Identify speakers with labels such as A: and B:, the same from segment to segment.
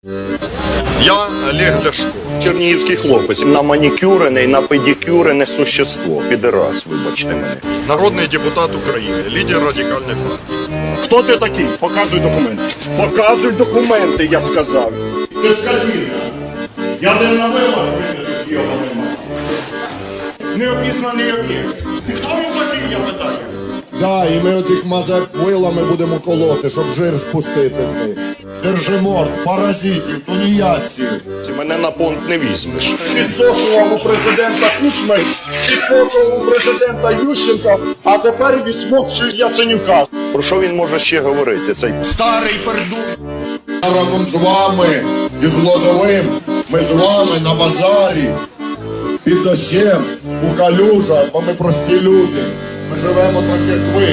A: Я Олег Ляшко, чернігівський хлопець.
B: На манікюрене, на педикюрене существо. Підерас, вибачте мене.
A: Народний депутат України, лідер радикальної партії.
B: Хто ти такий? Показуй документи. Показуй документи, я сказав.
A: Ти скотина. Я не на вилах винесу йобаний мать.
B: Неопізнаний об'єкт. І хто він такий, я питаю?
C: Да, і ми оцих мазеп вилами будемо колоти, щоб жир спустити з них. Держиморд, паразитів, тунеядців.
B: Ти мене на понт не візьмеш. Підсосував у президента Кучми, підсосував у президента Ющенка, а тепер відсмокчує Яценюка. Про що він може ще говорити, цей
A: Старий пердун.
C: Разом з вами і з Лозовим ми з вами на базарі, під дощем, у калюжах, бо ми прості люди. Ми живемо так, як ви.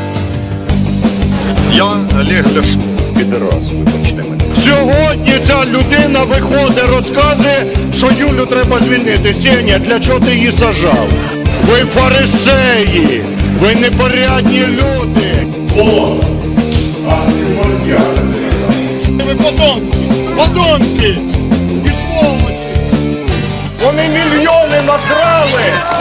A: Я Олег Ляшко.
B: підерас, вибачте мене.
D: Сьогодні ця людина виходить, розказує, що Юлю треба звільнити. Сеня, для чого ти її сажав? Ви фарисеї, ви непорядні люди.
B: Ви подонки і сволочі. Вони мільйони накрали,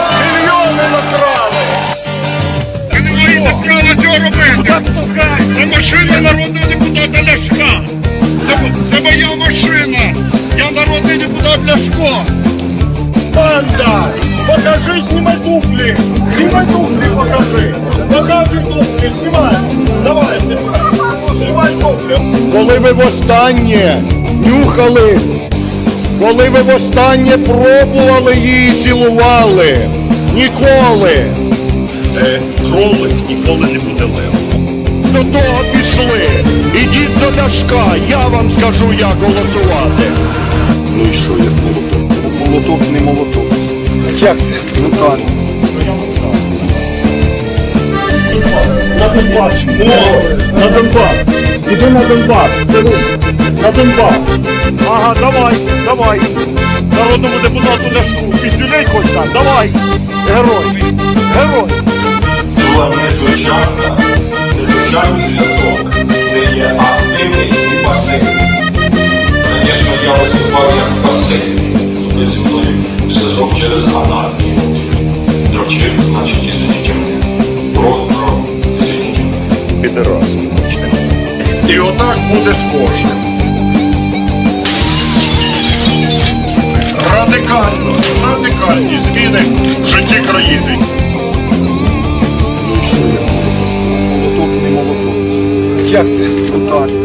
D: Ви не маєте права цього робити. Це машина народного депутата Ляшка. Це моя машина. Я народний депутат Ляшко.
B: Банда! Покажи, знімай туфлі! Знімай туфлі, покажи! Показуй туфлі, знімай! Давай, знімай туфлі!
D: Коли ви востаннє нюхали, коли ви востаннє пробували її і цілували? Ніколи.
A: Кролик ніколи не буде левом.
D: До того пішли. Ідіть до Ляшка, я вам скажу, як голосувати.
B: Ну і що, як молоток? Молоток не молоток. Як це? Ну так. На Донбас! О, на Донбас! Іди на Донбас, сину! На Донбас!
D: Ага, давай. Народному депутату Ляшку. Піздюлей хоч так, давай. Герой.
E: Була незвичайний зв'язок, де є активний і пасивний. Звісно, я виступав як пасивний, тобто зі мною зв'язок через анархію. Дрочив, значить, извините мене. Про, извините мене.
B: Підерас, вибачте мене. І отак буде з кожним. Радикальні зміни в житті країни. Ну і що, як молоток? Молоток не молоток. Як це? Ну так.